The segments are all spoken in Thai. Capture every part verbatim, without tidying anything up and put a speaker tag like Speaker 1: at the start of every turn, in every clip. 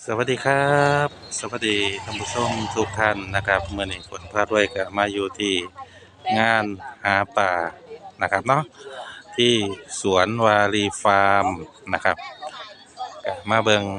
Speaker 1: สวัสดีครับสวัสดีท่านผู้ชมทุกท่านนะครับเมื่อนี้ฝนพาด้วยก็มาอยู่ที่งานหาป่านะครับเนาะที่สวนวารีฟาร์มนะครับก็มาเบิง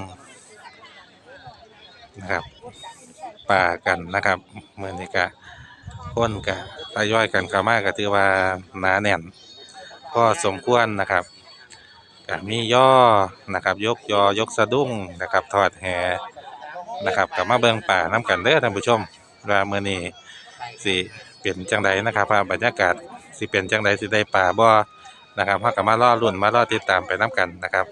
Speaker 1: นะครับป่ากันนะครับเมื่อนี้ก็คนก็ทยอยกันเข้ามาก็ถือว่าหนาแน่นก็สมควรนะครับก็มีย่อนะครับยกยอยกสะดุ้งนะครับทอดแหนะครับกลับมาเบิ่งป่าน้ำกันเด้อท่านผู้ชมว่ามื้อนี้สิเป็นจังใดนะครับว่าบรรยากาศสิเป็นจังใดสิได้ป่าบ่นะครับเฮาก็มารอลุ้นมารอติดตามไปน้ำกันนะครับ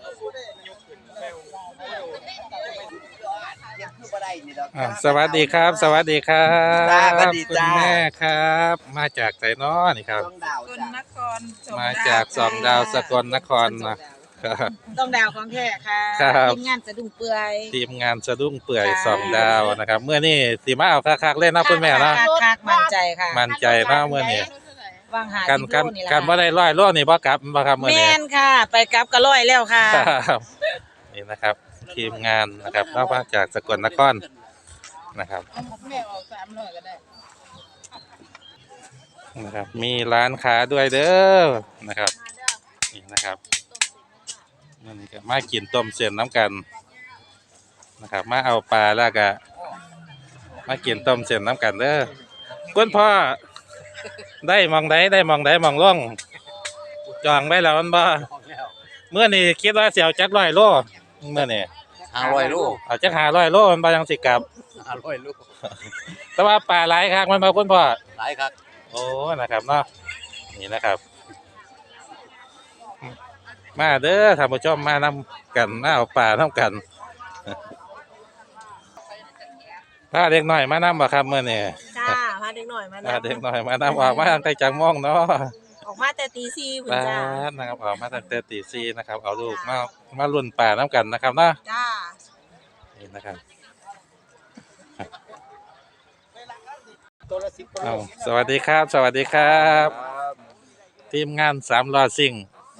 Speaker 1: อ่าสวัสดีครับสวัสดีครั
Speaker 2: จ้าสวั
Speaker 1: บ
Speaker 2: สดี
Speaker 1: คุณ
Speaker 2: จ้า
Speaker 1: แม่ครับมาจากไสน้อนี่ครับ
Speaker 2: ต้องดาว
Speaker 3: สกล
Speaker 2: จ้ะ
Speaker 3: นครสอง
Speaker 1: มา
Speaker 3: ดาว
Speaker 1: จากสองดาวสกลนครนะ ครับ
Speaker 3: ต้องดาวของแท้ค่ะ
Speaker 1: ครับ
Speaker 3: ทีมงานสะดุ้งเปื่อย
Speaker 1: ทีมงานสะดุ้งเปื่อย
Speaker 3: ค่ะ
Speaker 1: สองดาวนะครับเมื่อนี้สิมาเอาคักๆเล่นนะคุณแม่เนาะ
Speaker 3: คักคักมั่นใจค่ะ
Speaker 1: มั่นใจเนาะเมื่อนี้
Speaker 3: วางหา
Speaker 1: กัน
Speaker 3: สิบ
Speaker 1: กัน
Speaker 3: โลนี่แหละ
Speaker 1: กันบ่ได้ร้อยโลนี่บ่กลับบ่ครับมื้อ
Speaker 3: แม
Speaker 1: นี้
Speaker 3: นค่ะ ไปกลับก็ร้อยแล้วค่ะ
Speaker 1: ครับนี่นะครับทีมงานนะครับนอกจากสกลนครนะครับ
Speaker 3: แม่ออกสามร้อยก็ได้
Speaker 1: นะครับมีร้านค้าด้วยเด้อนะครับนี่นะครับนี่นี่ก็มากินต้มเส้นน้ำกันนะครับมาเอาปลาแล้วก็มากินต้มเส้นน้ำกันเด้อคุณพ่อได้มองใดได้มองใดมองล่องจองไว้แล้วมันบ่เมื่อนี้คิดว่าสิเอาจักร้อยโลเมื่อนี้
Speaker 2: ห้าร้อยลูก
Speaker 1: เอาจักห้าร้อยโลมันบ่ยังสิกลับ
Speaker 2: ห้าร้อยลูก
Speaker 1: แต่ว่าปลาหลายคักมันบ่คุณพ่อ
Speaker 2: หลายครับ
Speaker 1: โอ้นะครับเนาะนี่นะครับ มาเด้อท่านผู้ชมมานำกันมาเอาปลานำกันถ้าเด็กน้อยมานำบ่ครับมื้อนี้
Speaker 3: จ้าพาเด็กหน่อยมา
Speaker 1: ถ้า
Speaker 3: นะ
Speaker 1: เด็กน้อยมานำออกมาตั้งแต่จังม่องเนาะ
Speaker 3: ออกมาแต่ตีสี่คุณ
Speaker 1: ปลา
Speaker 3: จ้า
Speaker 1: นะครับออกมาตั้งแต่ตีสี่นะครับเอาลูกมามาลุ้นปลาน้ำกันนะครับเนาะ
Speaker 3: จ้า
Speaker 1: นี่นะครับ
Speaker 2: ตัวละสิบ
Speaker 1: เอาสวัสดีครับ สวัสดีครับ ทีมงานสามล้อซิ่ง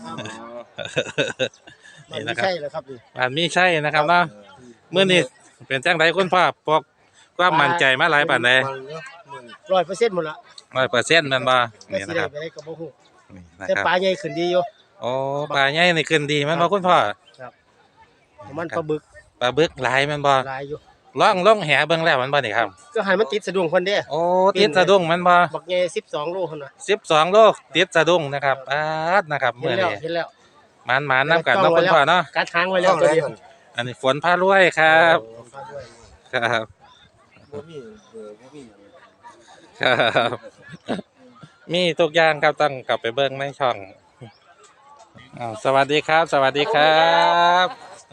Speaker 1: นี่นะครั
Speaker 2: ใช่
Speaker 1: บ
Speaker 2: แล้วครับนี่
Speaker 1: บ้านมีใช่นะครับเนาะเมื่อนี้เป็นจังไดคุณพ่อปกความมั่นใจมาหลายปานใด
Speaker 2: ร้อยเปอร์เซ็นต์หมดละ
Speaker 1: ร้อยเปอร์เซ็นต์แม่นบ่
Speaker 2: ไม่
Speaker 1: นี่
Speaker 2: สิ
Speaker 1: นะค
Speaker 2: ได้
Speaker 1: รับ
Speaker 2: ไปได้กับบ่ฮู้
Speaker 1: นี่นะ
Speaker 2: แต่
Speaker 1: ครับ
Speaker 2: ปลาใหญ่ขึ้นดีอยู่
Speaker 1: โอ้ปลาใหญ่นี่ขึ้นดีแม่นบ่คุณพ่อ
Speaker 2: มันปลาบึก
Speaker 1: ปลาบึกหลายแม่นบ่
Speaker 2: หลายอยู่
Speaker 1: ล่องล่องแหเบิ่งแล้วแมันบ่นี่ครับ
Speaker 2: ก็ให้มันติดสะดุ้งเพิ่นเด้
Speaker 1: โอ้ติดสะดุ้งแม่นบ่
Speaker 2: บักใหญ่สิบสองโลพุ่นน่ะ
Speaker 1: สิบสองโลติดสะดุ้งนะครับปาดนะครับ
Speaker 2: เห็น
Speaker 1: มื้อ
Speaker 2: แล้ว
Speaker 1: นี้
Speaker 2: เห็นแล้ว
Speaker 1: หมานๆนํกันเนาะคุณพ่อเนาะ
Speaker 2: การทางไว้แล้วตัวเดียว
Speaker 1: อันนี้ฝนพารวยครับครับ
Speaker 2: บ่มีเออบ่มี
Speaker 1: ครับมีทุกอย่างครับต้องกลับไปเบิ่งในช่องอ้าวสวัสดีครับ สวัสดีครับ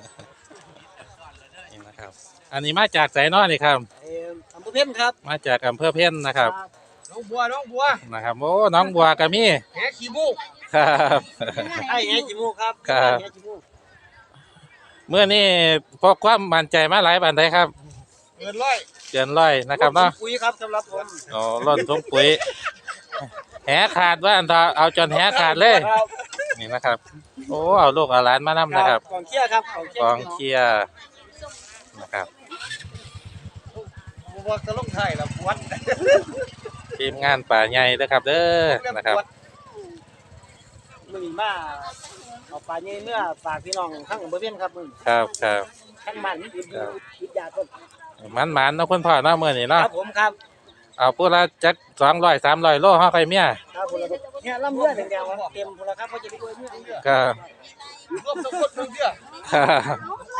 Speaker 1: นี่นะครับ อันนี้มาจากไสน้อนี่ครับ
Speaker 2: เอ่ออำเภอเพ็ญครับ
Speaker 1: มาจากอำเภอเพ็ญนะครับ
Speaker 2: น้องบัวน้องบัว
Speaker 1: นะครับโอ้น้องบัวก็มี
Speaker 2: แหขี้มูก
Speaker 1: ครับ
Speaker 2: ไอ้แหขี้มูกครับ
Speaker 1: ครับ
Speaker 2: แหขี้มูก
Speaker 1: เมื่อนี้พกความมั่นใจมาหลายปานใดครับ
Speaker 2: เกินร้อย
Speaker 1: เกินร้อยนะครับเนาะ
Speaker 2: ปุ๋ยครับสำหรับผม
Speaker 1: อ๋อร่อนทุ่งปุ๋ยแหขาดว่าอันตาเอาจนแหขาดเลย
Speaker 2: ครับ
Speaker 1: นี่นะครับ โอ้เอาลูกเอาหลานมานํนะครับ
Speaker 2: กองเชียร์ครับกองเชียร์
Speaker 1: กองเชียร์นะครับ
Speaker 2: ผมว่าจะลงไทยแล้วปวด
Speaker 1: ทีมงานป่าใหญ่เด้อครับเด้อนะครับ
Speaker 2: มึงมาเอาปลาเนื้อเนื้อฝากพี่น้องข้างอำเภอเพี้ยนครับมึง
Speaker 1: ครับครับ
Speaker 2: ข้างบ้านนี่อยู่วิทยาต้น
Speaker 1: มันมันๆเนาะคุณพ่อเนาะมื้อนี้
Speaker 2: ค
Speaker 1: เนาะ
Speaker 2: รับผมครับ
Speaker 1: เอาพูดละจักสองร้อยสามร้อยโลเฮาค่อยเมีย
Speaker 2: ครับผมเนี่ยลำเลือดแดงๆเต็มพลครับเพราะจะไปด้วยเนื้อเลือด
Speaker 1: ก็
Speaker 2: รวมทั้งหมดเนื้อ
Speaker 1: ครับ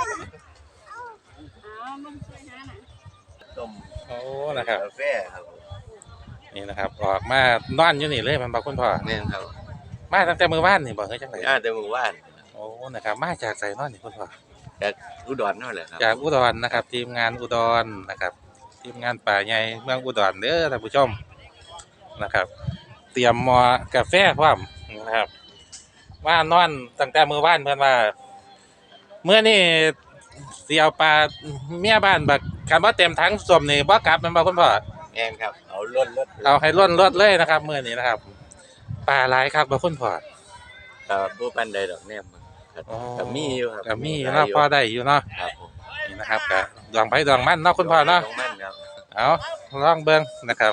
Speaker 1: โอ้นะครับ
Speaker 4: กาแฟครับ
Speaker 1: นี่นะครับ ออกมานอนอยู่นี่เลยมันบอกคุณพ่อ
Speaker 4: แม่นครับ
Speaker 1: มาตั้งแต่มื้อวานนี่บ่เฮ้ยจังได๋
Speaker 4: อ่าแต่เมื่อวาน
Speaker 1: โอ้นะครับ มาจากไสนอนนี่คุณพ่อ
Speaker 4: จากอุดรนั่นแหละครับ
Speaker 1: จากอุดรนะครับ ทีมงานอุดรนะครับ ทีมงานป่าใหญ่เมืองอุดรเด้อท่านผู้ชมนะครับ เตรียมหม้อกาแฟพร้อมนะครับ ว่านอนตั้งแต่มื้อวานเพิ่นว่าเมื่อนี้สิเอาปลาเมียบ้านบักคันบ่เต็มถังส้มนี่บ่กลับแม่นบ่คุณพ่อ
Speaker 4: แม่นครับ เอาล้นรถ
Speaker 1: เอาให้ล้นรถเลยนะครับมื้อนี้นะครับปลาหลายครับบ่คุณพ่อ
Speaker 4: ครับผู้ปันใดดอกแนมครับ
Speaker 1: อ๋อ
Speaker 4: ก็มีอยู่ครับ
Speaker 1: ก็มีอยู่เนาะพอได้อยู่เนาะ
Speaker 4: ครับผม
Speaker 1: นนี่นะครับกะดวงไผดวงมันเนาะคุณพ่อเนาะ
Speaker 4: ลงมันครับ
Speaker 1: เอาลองเบิ่งนะครับ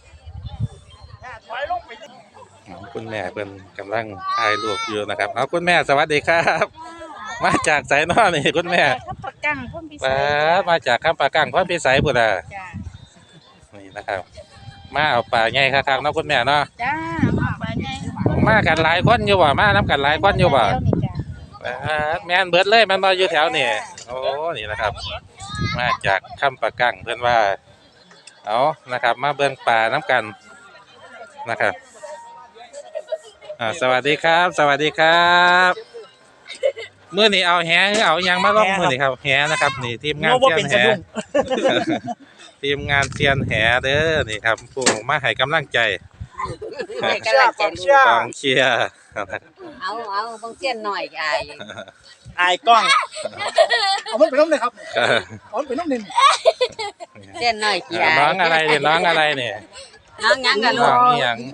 Speaker 1: คุณแม่เพิ่นกำลังถ่ายรูปอยู่นะครับเอาคุณแม่สวัสดีครับ มาจากไสเนาะนี่คุณแม่
Speaker 3: ข้าวปลากั้งพ่นพิเศ
Speaker 1: มา
Speaker 3: ษ
Speaker 1: มาจากคำปากังพรพิสัยพุ่นน่ะ
Speaker 3: จ้า
Speaker 1: นี่นะครับ มาเอาปลาใหญ่คักๆเนาะคุณแม่เนาะ
Speaker 3: จ้ามาปลาใหญ่
Speaker 1: มากันหลายคนอยู่บ่มานํกันหลายคนอยู่บ่
Speaker 3: แล้วนี่จ้า
Speaker 1: อ่าแม่นเบิดเลยแมันมาอยู่แถวนี่โอ้นี่นะครับ มาจากคำปะกังเพื่อนว่าเอานะครับ มาเบิ่งป่าน้ำกันนะครับอ่าสวัสดีครับ สวัสดีครับมื้อนี้เอาแหหรือเอาหยังมาลงมื้อนี้ครับแหนะครับ นี่ทีมงาน
Speaker 2: โน้ว่า
Speaker 1: เซีย
Speaker 2: เป็น
Speaker 1: นแห
Speaker 2: สะดุ้ง
Speaker 1: ทีมงานเซียนแหเด้อนี่ครับผู้มาให้กำลังใจ
Speaker 2: กองเชียร์กองเชียร์
Speaker 1: กองเชียร์
Speaker 5: เอาเอาบางเสี้ยนหน่อยไอ้
Speaker 2: อายกล้องเอามันไปน้ำเลยครับเอามันไปน้ำหนึ่ง
Speaker 5: เสี้ยนหน่อยกี่ไอ้
Speaker 1: น้องอะไรเนี่ยน้องอะไรเนี่ย
Speaker 5: น้องหยังกันลู
Speaker 1: น้
Speaker 5: ก
Speaker 1: องอีหยัง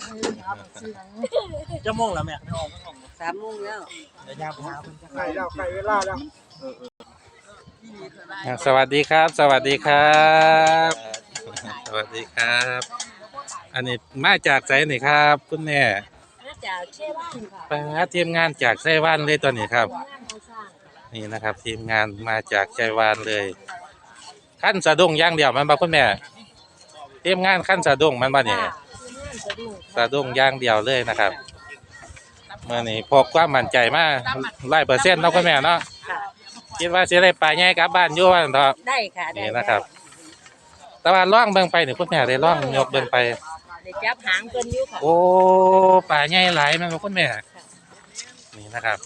Speaker 2: จะม่วงแล้วแม่ไม่ออกไม่ออก
Speaker 5: สามโมงแล้ว
Speaker 2: เดี๋ยวยามไปหาคนไก่แล้วไก่เวลาแล้ว
Speaker 1: อ่าสวัสดีครับ สวัสดีครับ สวัสดีครับ อันนี้มาจากไสนี่ครับ คุณแม่
Speaker 5: มาจากเชี่ยบ้านค่ะ
Speaker 1: ไปหาทีมงานจากไต้หวันเลยตัวนี้ครับ
Speaker 5: งานเขาสร้าง
Speaker 1: นี่นะครับ ทีมงานมาจากไต้หวันเลยขั้นสะดุ้งอย่างเดียวมันบ่คุณแม่ทีมงานขั้นสะดุ้งมันบ่เนี่ย
Speaker 5: งานสะดุ้ง
Speaker 1: สะดุ้งอย่างเดียวเลยนะครับเมื่อนี้พกความมั่นใจมาร้อยเปอร์เซ็นต์เนาะคุณแม่เนาะ
Speaker 5: ค่ะ
Speaker 1: คิดว่าสิได้ปลาใหญ่กลับบ้านอยู่ว่าซั่นเถาะ
Speaker 5: ได้ค่ะได้
Speaker 1: นี่นะครับ แต่ว่าล่องเบิ่งไปนี่คุณแม่ได้ล่องยกเบิ่งไป
Speaker 5: ได้จับหางเพิ่นอยู่ค่ะ
Speaker 1: โอ้ปลาใหญ่หลายแม่นบ่คุณแม่นี่นะครับ